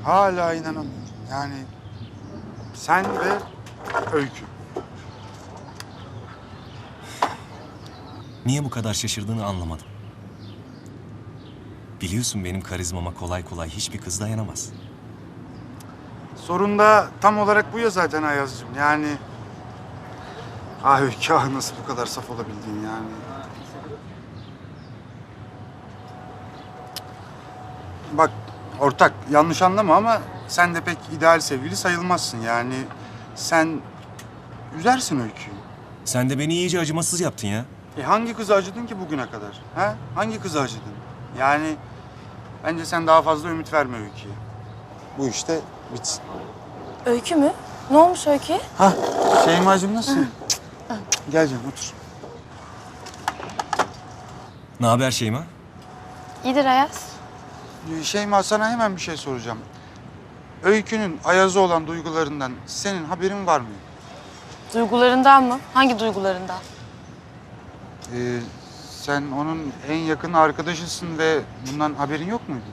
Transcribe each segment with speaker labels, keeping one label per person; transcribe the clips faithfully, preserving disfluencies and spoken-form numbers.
Speaker 1: Hala inanamıyorum. Yani sen ve Öykü.
Speaker 2: Niye bu kadar şaşırdığını anlamadım. Biliyorsun benim karizmama kolay kolay hiçbir kız dayanamaz.
Speaker 1: Sorun da tam olarak bu ya zaten Ayaz'cığım. Yani... Ah Öykü, ah nasıl bu kadar saf olabildin yani. Bak ortak, yanlış anlama ama sen de pek ideal sevgili sayılmazsın. Yani sen üzersin Öykü'yü.
Speaker 2: Sen de beni iyice acımasız yaptın ya.
Speaker 1: E hangi kıza acıdın ki bugüne kadar? Ha? Hangi kıza acıdın? Yani bence sen daha fazla ümit verme Öykü'ye. Bu işte bitsin.
Speaker 3: Öykü mü? Ne olmuş Öykü?
Speaker 1: Ha, Şeyma'cığım nasılsın? Gel canım otur.
Speaker 2: Ne haber Şeyma?
Speaker 3: İyidir Ayaz.
Speaker 1: Ee, Şeyma, sana hemen bir şey soracağım. Öykü'nün Ayaz'a olan duygularından senin haberin var mı?
Speaker 3: Duygularından mı? Hangi duygularından?
Speaker 1: Ee, sen onun en yakın arkadaşısın ve bundan haberin yok muydu?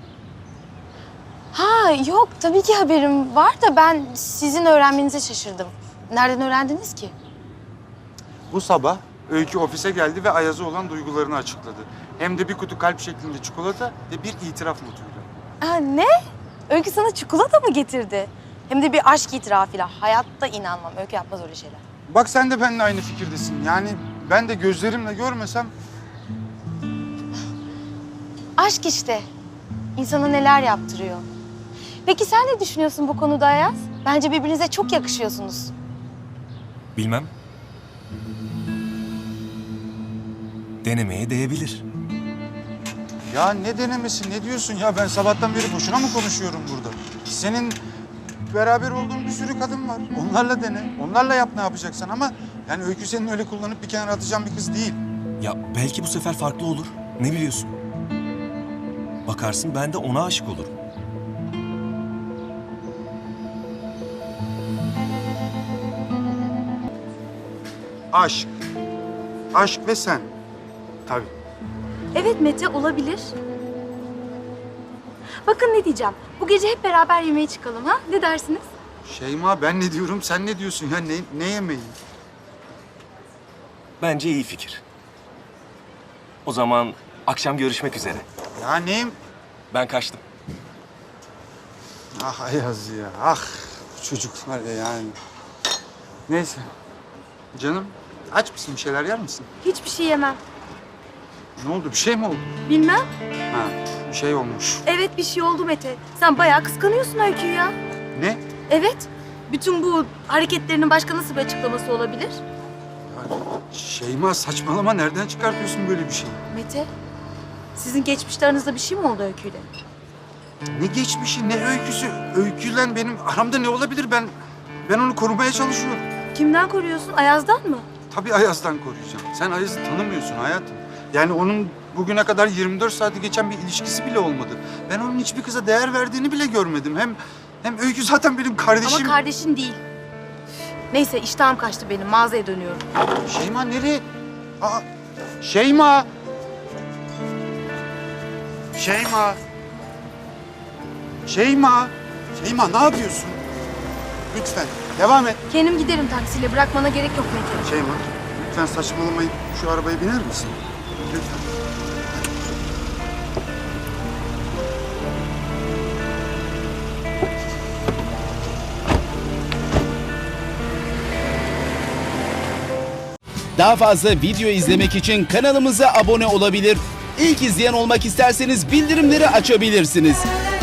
Speaker 3: Ha yok tabii ki haberim var da ben sizin öğrenmenize şaşırdım. Nereden öğrendiniz ki?
Speaker 1: Bu sabah Öykü ofise geldi ve Ayaz'a olan duygularını açıkladı. Hem de bir kutu kalp şeklinde çikolata ve bir itiraf notuyla.
Speaker 3: Ha, ne? Öykü sana çikolata mı getirdi? Hem de bir aşk itirafıyla. Hayatta inanmam. Öykü yapmaz öyle şeyler.
Speaker 1: Bak sen de benimle aynı fikirdesin. Yani ben de gözlerimle görmesem...
Speaker 3: Aşk işte. İnsana neler yaptırıyor. Peki sen ne düşünüyorsun bu konuda Ayaz? Bence birbirinize çok yakışıyorsunuz.
Speaker 2: Bilmem. Denemeye değebilir.
Speaker 1: Ya ne denemesi, ne diyorsun ya? Ben sabahtan beri boşuna mı konuşuyorum burada? Senin beraber olduğun bir sürü kadın var. Onlarla dene, onlarla yap ne yapacaksan ama... Yani Öykü senin öyle kullanıp bir kenara atacağın bir kız değil.
Speaker 2: Ya belki bu sefer farklı olur. Ne biliyorsun? Bakarsın ben de ona aşık olurum.
Speaker 1: Aşk. Aşk ve sen. Tabii.
Speaker 4: Evet Mete, olabilir. Bakın ne diyeceğim. Bu gece hep beraber yemeğe çıkalım ha? Ne dersiniz?
Speaker 1: Şeyma, ben ne diyorum, sen ne diyorsun ya? Ne, ne yemeği?
Speaker 2: Bence iyi fikir. O zaman akşam görüşmek üzere.
Speaker 1: Ya neyim?
Speaker 2: Ben kaçtım.
Speaker 1: Ah Ayaz ya, ah bu çocuk var ya yani. Neyse. Canım, aç mısın? Bir şeyler yer misin?
Speaker 4: Hiçbir şey yemem.
Speaker 1: Ne oldu? Bir şey mi oldu?
Speaker 4: Bilmem.
Speaker 1: Ha, bir şey olmuş.
Speaker 4: Evet bir şey oldu Mete. Sen bayağı kıskanıyorsun Öykü'yü ya.
Speaker 1: Ne?
Speaker 4: Evet. Bütün bu hareketlerinin başka nasıl bir açıklaması olabilir?
Speaker 1: Şeyma, saçmalama. Nereden çıkartıyorsun böyle bir şey?
Speaker 4: Mete, sizin geçmişte aranızda bir şey mi oldu Öykü'yle?
Speaker 1: Ne geçmişi, ne öyküsü? Öyküyle benim aramda ne olabilir? Ben ben onu korumaya çalışıyorum.
Speaker 4: Kimden koruyorsun? Ayaz'dan mı?
Speaker 1: Tabii Ayaz'dan koruyacağım. Sen Ayaz'ı tanımıyorsun hayatım. Yani onun bugüne kadar yirmi dört saati geçen bir ilişkisi bile olmadı. Ben onun hiçbir kıza değer verdiğini bile görmedim. Hem hem Öykü zaten benim kardeşim.
Speaker 4: Ama kardeşin değil. Neyse iştahım kaçtı benim. Mağazaya dönüyorum.
Speaker 1: Şeyma nereye? Aa, Şeyma! Şeyma! Şeyma! Şeyma ne yapıyorsun? Lütfen devam et.
Speaker 4: Kendim giderim taksiyle. Bırakmana gerek yok Mete.
Speaker 1: Şeyma, lütfen saçmalamayıp şu arabaya biner misin? Lütfen.
Speaker 5: Daha fazla video izlemek için kanalımıza abone olabilir. İlk izleyen olmak isterseniz bildirimleri açabilirsiniz.